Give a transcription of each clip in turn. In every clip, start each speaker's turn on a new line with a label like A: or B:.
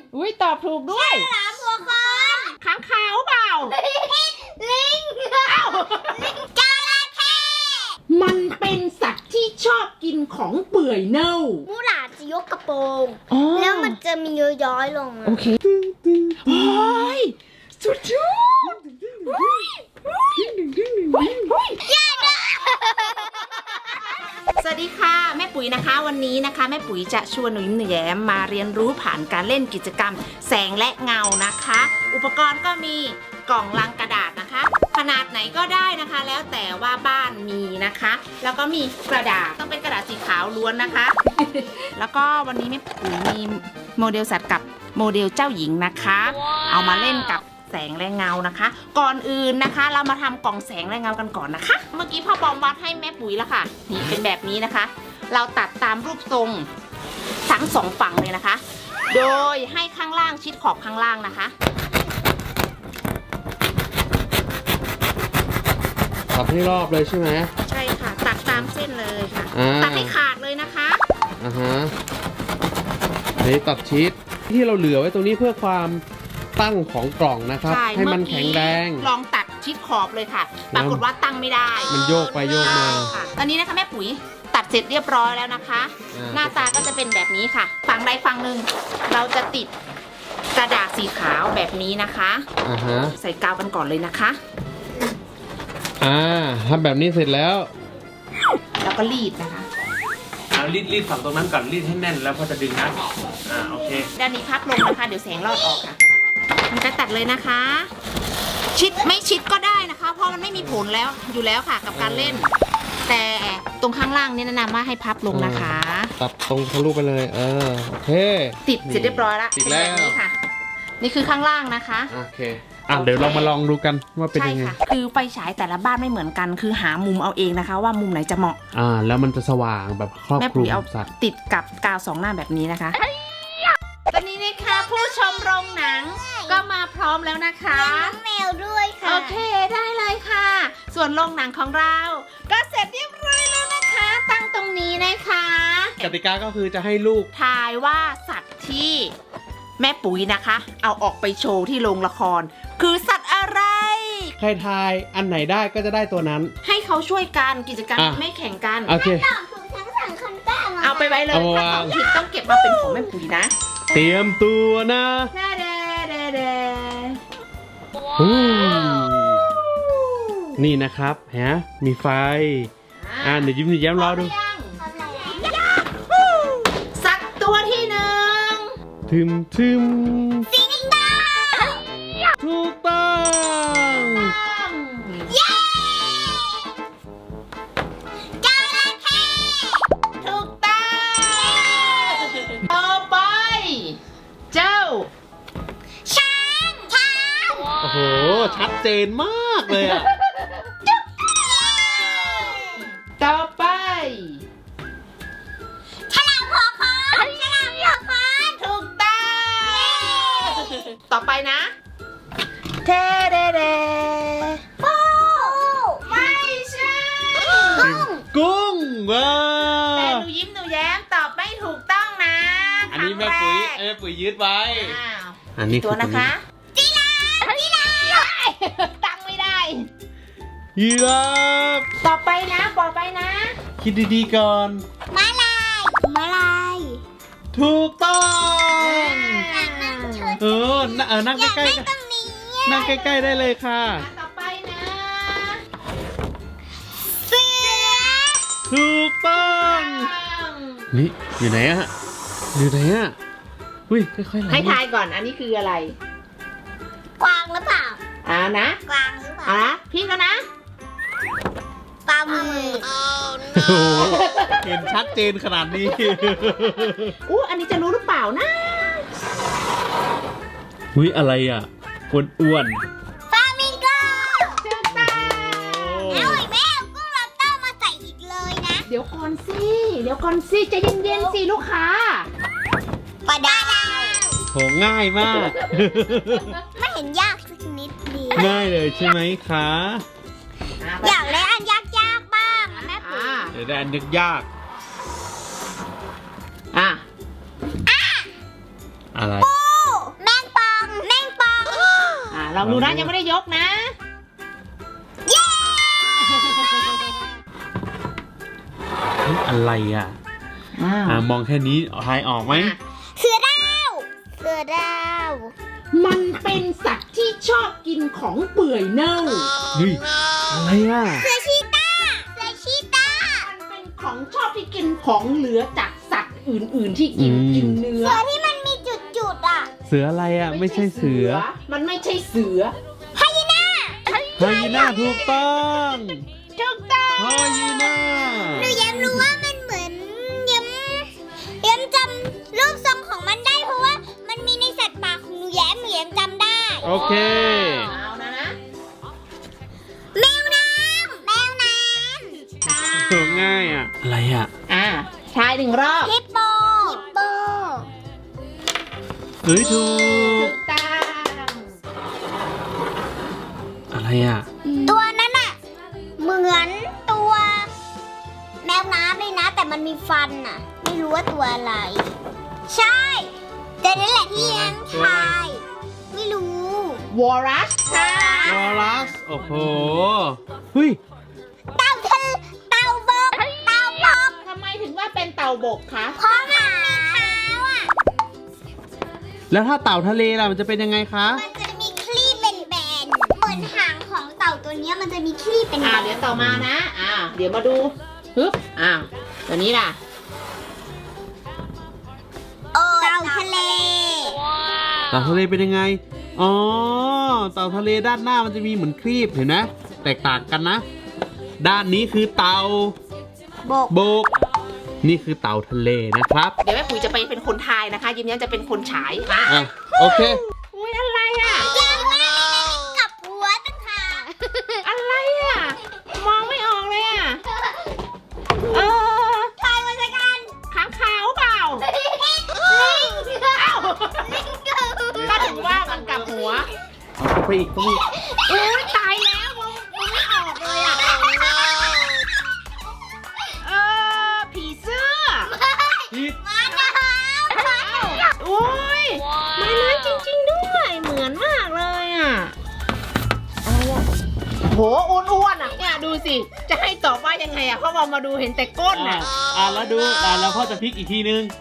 A: อุ้ยตอบถูกด้วย
B: ฉลามหัวคอน
A: ค้างคาวเปล่า
B: ลิงจระเข้
A: มันเป็นสัตว์ที่ชอบกินของเปื่อยเน่า
B: มูหลาดจะยกกระโปรง
A: อ๋อ
B: แล้วมันจะมีย้อยๆลงมา
A: โอเคโอ้ยสุดยอดสวัสดีค่ะแม่ปุ๋ยนะคะวันนี้นะคะแม่ปุ๋ยจะชวนหนูยิ้มหนูแย้มมาเรียนรู้ผ่านการเล่นกิจกรรมแสงและเงานะคะ อุปกรณ์ก็มีกล่องลังกระดาษนะคะ ขนาดไหนก็ได้นะคะ แล้วแต่ว่าบ้านมีนะคะ แล้วก็มีกระดาษต้องเป็นกระดาษสีขาวล้วนนะคะ แล้วก็วันนี้แม่ปุ๋ยมีโมเดลสัตว์กับโมเดลเจ้าหญิงนะคะ เอามาเล่นกับแสงและเงานะคะ ก่อนอื่นนะคะ เรามาทำกล่องแสงและเงากันก่อนนะคะ เมื่อกี้พ่อบอมวัดให้แม่ปุ๋ยแล้วค่ะนี่เป็นแบบนี้นะคะ เราตัดตามรูปทรงทั้งสองฝั่งเลยนะคะ โดยให้ข้างล่างชิดขอบข้างล่างนะคะ
C: ตัดให้รอบเลยใช่ไหม
A: ใช่ค่ะตัดตามเส้นเลยค่ะ
C: อ่า
A: ตัดให้ขาดเลยนะคะ
C: อ่าฮะนี่ตัดชีสที่เราเหลือไว้ตรงนี้เพื่อความตั้งของกล่องนะครับ
A: ใช่
C: ให้มันแข็งแรง
A: ลองตัดชิดขอบเลยค่ะ ปรากฏว่าตั้งไม่ได้
C: มันโยกไปโยกมา
A: ค่ะตอนนี้นะคะแม่ปุ๋ยตัดเสร็จเรียบร้อยแล้วนะคะ หน้าตาก็จะเป็นแบบนี้ค่ะ ฝั่งใดฝั่งหนึ่งเราจะติดกระดาษสีขาวแบบนี้นะคะ
C: อ่าฮะ
A: ใส่กาวกันก่อนเลยนะคะ
C: ทำแบบนี้เสร็จแล้ว
A: แล้วก็รีดนะคะ
D: เอารีดฝั่งตรงนั้นก่อนรีดให้แน่นแล้วพอจะดึงนะโอเค
A: ด้านนี้พับลงนะคะ เดี๋ยวแสงรอดออกค่ะ มันจะตัดเลยนะคะ ชิดไม่ชิดก็ได้นะคะ เพราะมันไม่มีผลแล้วอยู่แล้วค่ะกับการเล่น แต่ตรงข้างล่างนี่แนะนำว่าให้พับลงนะคะ
C: ตัดตรงทะลุไปเลย โอเค
A: ติดเสร็จเรียบร้อยแล้ว
C: ติด
A: เป็น
C: แล้
A: แบบ
C: ว
A: นี้ค่ะ นี่คือข้างล่างนะคะ
C: โอเคเดี๋ยวเรามาลองดูกันว่าเป็น
A: ใช่
C: ยังไง
A: ค่ะ คือไฟฉายแต่ละบ้านไม่เหมือนกัน คือหามุมเอาเองนะคะ ว่ามุมไหนจะเหมาะ
C: แล้วมันจะสว่างแบบครอบ
A: แม่
C: คลุ
A: ปุ๋
C: ม
A: ยเอา
C: สัตว์
A: ติดกับกาวสองหน้าแบบนี้นะคะ ตอนนี้นะคะผู้ชมโรงหนังก็มาพร้อมแล้วนะคะ
B: น้องแมวด้วยค่ะ
A: โอเคได้เลยค่ะ ส่วนโรงหนังของเรา ก็เสร็จเรียบร้อยแล้วนะคะ ตั้งตรงนี้นะคะ
C: กติกาก็คือจะให้ลูก
A: ทายว่าสัตว์ที่แม่ปุ๋ยนะคะ เอาออกไปโชว์ที่โรงละคร คือสัตว์อะไร
C: ใครทายอันไหนได้ก็จะได้ตัวนั้น
A: ให้เขาช่วยกันกิจกรรม
C: อ่ะ
A: ไม่แข่งกัน
C: โอเค
B: ตอบถูกทั้งสองคนก็เอามา
A: เอาไปไว้เลย
C: เอามา
A: ถ้าต
C: วา
A: อง บผิดต้องเก็บมาเป็นของแม่ปุ๋ยนะ
C: เตรียมตัวนะ
A: เด้เด้เด้เด้
C: อืมนี่นะครับมีไฟ เดี๋ยวยิ้มแย้มรอดู
B: ทำอะไรอ่ะ
A: สัตว์ตัวที่หนึ่ง
C: ทึม
B: สิงโต
C: ถูกต้อง
B: เย้จระเข้
A: ถูกต้องต่อไป เจ้า
B: ช้าง
C: โอ้โห ชัดเจนมากเลยอ่ะ
A: ต่อไป
B: ฉลามหัวคอนฉลามหัวคอน
A: ถูกต้องต่อไปนะเทเดเด
B: ปู
A: ไม่ใช่
C: กุ้งว้า
A: แต่หนูยิ้มหนูแย้มตอบไม่ถูกต้องนะ
C: อันนี้แม่ปุ๋ยยึดไว้
A: อ้าว
C: อันนี้
A: ตัวนะคะ
B: จีราฟ
A: ตั้งไม่ได้
C: ยีราฟ
A: ต่อไปนะต่อไปนะ
C: คิดดีๆก่อน
B: ม้าลายม้าลาย
C: ถูกต้อง
B: อยากนั่งเฉย
C: นั่ง
B: อยาก
C: ใกล้
B: นั่งตรงนี้
C: ๆนั่งใกล้ๆได้เลยค่ะ
A: ต่อไปนะ
B: เสือ
C: ถูกต้องนี่อยู่ไหนอะอุ้ยค่อยๆไหล
A: ให้ทายก่อน อันนี้คืออะไร
B: กวางหรือเปล่า
A: นะ
B: กวางหรือเปล่า
A: พี่ก็นะ
B: ปลาหมึก
C: โอ้โหเห็นชัดเจนขนาดนี้
A: อู้อันนี้จะรู้หรือเปล่านะ
C: อุ้ยอะไรอ่ะอ้วน
B: ฟามิงโก
A: ถูกต้อง
B: เอาอีกแม่เอากุ้งล็อบสเตอร์มาใส่อีกเลยนะ
A: เดี๋ยวก่อนสิใจเย็นๆสิลูกค้า
B: ปลาดาว
C: โหง่ายมาก
B: ไม่เห็นยากสักนิดเดียว
C: ง่ายเลยใช่ไหมคะ
B: อยากเล่นอันยากๆบ้างอะแม่ปุ๋ย
C: เดี๋ยวได้อันนึกยาก
A: อ่ะ
C: อะไร
B: ปู
A: ลองดูนะยังไม่ได้ยกนะ
C: เฮ้ยอะไรอ่ะ มองแค่นี้ทายออกไหม
B: เสือดาวเสือดาว
A: มันเป็นสัตว์ที่ชอบกินของเปื่อยเน่า
C: เฮ้ยอะไรอ่ะ
B: เสือชีตาเสือชีตา
A: มันเป็นของชอบที่กินของเหลือจากสัตว์อื่นๆที่กินเนื้อ
B: เสือที่มันมีจุดๆอ่ะ
C: เสืออะไรอ่ะ ไม่ใช่เสือ
A: มันไม่ใช่เสือ
C: ไฮยีน่าถูกต้อง
A: ถูกต้อง
C: ไฮยีน่า
B: หนูแย้มรู้ว่ามันเหมือนย้ำจำรูปทรงของมันได้เพราะว่ามันมีในสัตว์ป่าของหนูแย้มจำได้
C: โอเค
A: เอานะ
B: แมวน้ำแมวน้
C: ถูกง่ายอ่ะ อะไรอ่ะ
A: ทายหนึ่งรอบ
B: ำฮิปโปฮิปโป
C: เฮ้ยถู
A: ถู
C: ก
A: กต้อง
C: อะไรอ่ะ
B: ตัวนั้นอ่ะเหมือนตัวแมวน้ำเลยนะ แต่มันมีฟันอ่ะ ไม่รู้ว่าตัวอะไร ใช่ แต่นั่นแหละที่ยังทายไม่รู้
A: วอรัสค่ะ
C: วอลลัส โอ้โห เฮ้ย
B: เต่าทะเลเต่าบกเต่าบก
A: ทำไมถึงว่าเป็นเต่าบกคะ
B: เพราะมันมีเท้าอ่ะ
C: แล้วถ้าเต่าทะเลล่ะมันจะเป็นยังไงคะ
B: มันจะมีคลีบเป็นแบนๆเหมือนหางของเต่าตัวเนี้ยมันจะมีคลีบเป็นแบน
A: เดี๋ยวต่อมานะเดี๋ยวมาดูฮึบตัวนี้ล่ะ
B: เต่าทะเล
C: เต่าทะเลเป็นยังไง อ๋อ เต่าทะเลด้านหน้ามันจะมีเหมือนครีบเห็นไหมแตกต่างกันนะ ด้านนี้คือเต่า
B: บก
C: บก นี่คือเต่าทะเลนะครับ
A: เดี๋ยวแม่ปุ๋ยจะไปเป็นคนทายนะคะ ยิ้มแย้มจะเป็นคนฉาย
C: อ่ะ โอเค
A: อุ้ยอะไรอ่ะ
B: ยากมากเลยกับหัวตั้งหาก
A: อะไรอ่ะ มองไม่ออกเลยอ่ะ
B: ทายมาสักกัน
A: ค้างคาวเปล่าก็ถึงว่ามันกลับหัว
C: เอาไปอีกตรงนี้
A: อุ้ยตายแล้วมองไม่ออกเลยอ่ะผีเสื้อ
C: ผิด
B: มาแล้ว
A: อุ้ยไม่เลื้อยจริงๆด้วย เหมือนมากเลยอ่ะอะไรอ่ะโหอ้วนๆอ่ะเนี่ยดูสิ จะให้ตอบว่ายังไงอ่ะเพราะว่ามาดูเห็นแต่ก้นอ่ะ
C: แล้วดูแล้วพ่อจะพลิกอีกทีนึง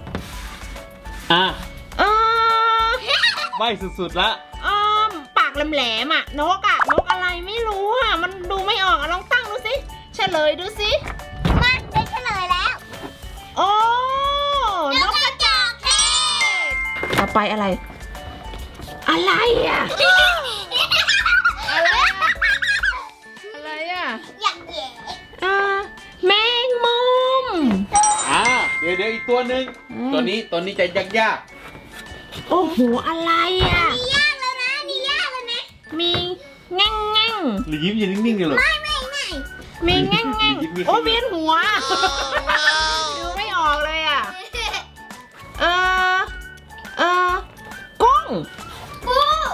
A: เออ
C: ใบสุดๆละ
A: ปากแหลมๆอ่ะนกอะไรไม่รู้อ่ะ มันดูไม่ออกอ่ะลองตั้งดูสิเฉลยดูสิ
B: มาได้เฉลยแล้ว
A: โอ้
B: นกกระจอกเทศ
A: ต่อไปอะไร อะไรอ่ะ อะไรอ่ะ อะไรอ่ะ
B: อย่างแย่
A: แมงมุม
C: เดี๋ยวอีกตัวหนึ่ง ตัวนี้จะยาก
A: โอ้โห อะไรอ่ะ
B: นี่ยากแล้วนะนี่ยากแล้วนะ
A: มีแง่งแง่ง
C: ๆหรือยิ้มยืนนิ่งๆเลยเหรอ
B: ไม่
A: มีแง่งแง่ง
C: มี
A: โอ้เวียนหัว ดูไม่ออกเลยอ่ะ กุ้ง
B: ปู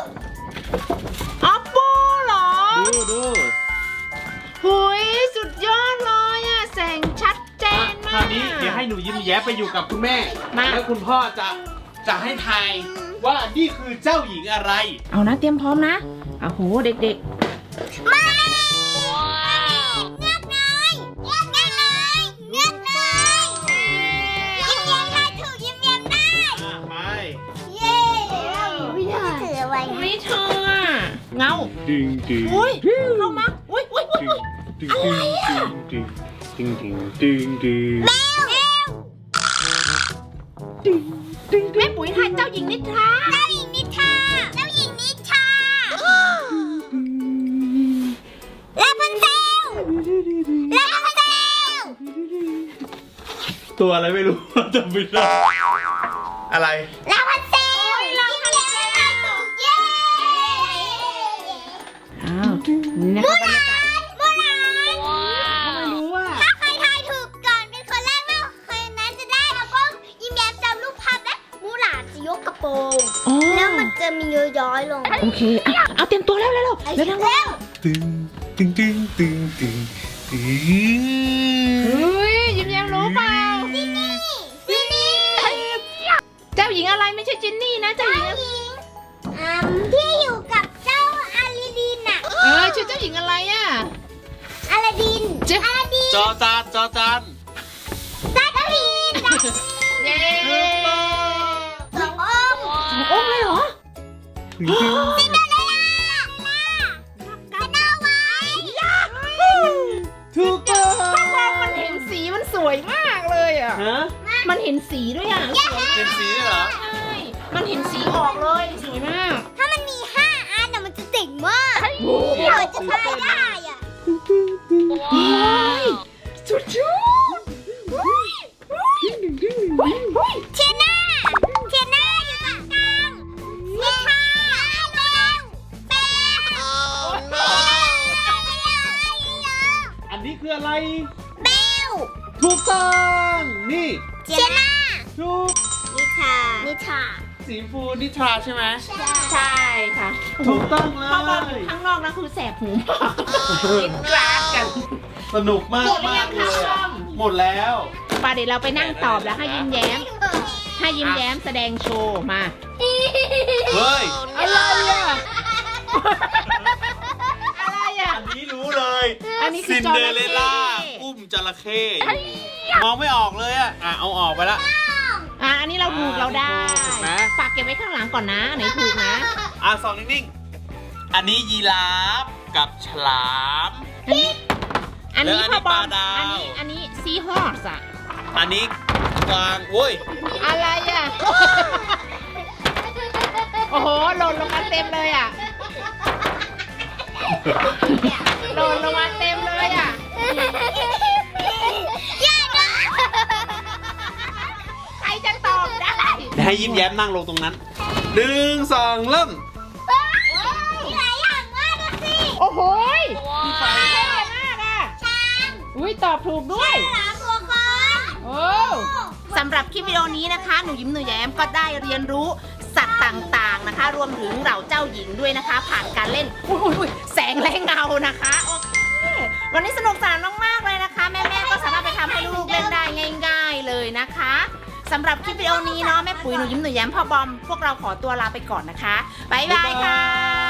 A: ปูเหรอ
C: ดู
A: หุยสุดยอดเลยอ่ะ แสงชัดเจน
C: ค
A: มาก
C: ราวนี้เดี๋ยวให้หนูยิ้มแย้ไปอยู่กับคุณแม่
A: มา
C: แล้วคุณพ่อจะให้ทายว่านี่คือเจ้าหญิงอะไร
A: เอานะเตรียมพร้อมนะโอ้โหเด็ก
B: มาเงือกน้อยเงือกน้อยเงือกน้อยยิ้มแย้มได้ถูกยิ้มแย้มได้
C: ไป
B: เย้ไม่ได้ถือไว้
A: ๆไม่เธออ่ะเงา
C: ดึง
A: อุ้ยเข้ามาอุ้ย
B: แมว
A: แม่ปุ๋ยทายเจ้าหญิงนิทรา
B: เจ้าหญิงนิทราเจ้าหญิงนิทราลาพันเซลลาพันเซล
C: ตัวอะไรไม่รู้ จำไม่ได้อะไร
B: ลาพันเซลลาพันเซลเย้
A: อ้าวนี่นะคะบรรยากาศ
B: โบราณ
A: ไม่รู้ว่า
B: ถ้าใครทายถูกก่อนเป็นคนแรกแล้วคนนั้นจะได้แล้วก็ยิ้มแย้มจำรูปภาพและมูหลานจะยกกระโปรง
A: อ๋อ
B: แล้วมันจะมีย้อยๆลง
A: โอเคเอาเตรียมตัวแล้วเร็วๆเร็ว
C: ตึง
A: ๆเฮ้ยยิ้มแย้มรู้เปล่า
B: จินนี่
A: เจ้าหญิงอะไรไม่ใช่จินนี่นะเจ้าหญิง
B: ที่อยู่กับเจ้าอ
A: เจ้าหญิงอะไรอ่ะ
B: อลาดิน
A: เจ๊
B: อลาดิน
C: จอจานจอจาน
B: ซาตาลีน
A: เย้
B: สององค์
A: โอ้เลยเหรอ
B: ซินเดอเรลล่าสโนไวท์
C: ถูกต้อง
A: พ่อบอมมันเห็นสีมันสวยมากเลยอ่ะ
C: ฮะ
A: มันเห็นสีด้วยอ่ะสวย
C: เป็นสีด้วยเหรอ
A: ใช่ มันเห็นสีออกเลยสวยมาก
B: ถ้ามันมี5 อันน่ะมันจะเจ๋งมาก
A: โอ้
B: เผื่อจะทายได้อ่ะ
A: ยสุดยอด
B: เทียน่าอยู่ตรงกลางนิทาเร็วเป๊ะ
C: อันนี้คืออะไร
B: เบล
C: ถูกต้องนี่
B: เทียน่า
C: ถูก
B: นิทา
C: สีฟูนิทราใช่ไหม
A: ใช่ค่ะ
C: ถูกต้องเล
A: พ่อบอล
C: ย
A: ข้างนอกนะคือแสบหูมากกินกราดกัน
C: สนุกมาก
A: หมดหรือยั
C: มาก
A: ง
C: เล
A: คะ
C: ย
A: พ่อ
C: อะ
A: ม
C: หมดแล้ว
A: ป่าเดี๋ยวเราไปนั่งตอบแล้วให้ยิ้มแย้ม ให้ยิ้มแย้มแสดงโชว์มา
C: เฮ้ย
A: อะไรอ่ะ อะไรอ่ะ
C: อันนี้รู้เลย
A: อันนี้คื
C: ซิ
A: อน จระ
C: เด
A: เข้
C: อเรลล่าอุ้มจระเข้มองไม่ออกเลยอะเอาออกไปละ
A: อันนี้เราถูกเราได้
C: ถูกไหม
A: ฝากเก็บไว้ข้างหลังก่อนนะไหนถูกนะ
C: สองนิ่งๆ อันนี้ยีราฟกับฉลาม
A: อันนี้
C: แล้วอันนี้
A: พ่อบอ
C: ป
A: ล
C: ลาดาว
A: อันนี้ซีฮอสอ่ะ
C: อันนี้กวางโว้ย
A: อะไรอ่ะ โอ้โหหล่นลงมาเต็มเลยอ่ะหล่นลงมาเต็มเลยอ่ะ ใครจะตอบได้
C: ให้ยิ้มแย้มนั่งลงตรงนั้น1 2 เริ่ม
B: มีหลายอย่างมากนะสิ
A: โอ้โหยเท่มากอ่ะ
B: ช้าง
A: อุ้ยตอบถูกด้วย
B: ฉลามตัวคอน
A: โอ้สำหรับคลิปวิดีโอนี้นะคะ หนูยิ้มหนูแย้มก็ได้เรียนรู้สัตว์ต่างๆนะคะ รวมถึงเหล่าเจ้าหญิงด้วยนะคะ ผ่านการเล่นอุ้ยแสงและเงานะคะโอเควันนี้สนุกสนานมากๆเลยนะคะ แม่ๆก็สามารถไปทำให้ลูกๆเล่นได้ง่าย ๆเลยนะคะสำหรับคลิปวิดีโอนี้เนาะแม่ปุ๋ยหนูยิ้มหนูแย้มพ่อบอมพวกเราขอตัวลาไปก่อนนะคะบ๊ายบายค่ะ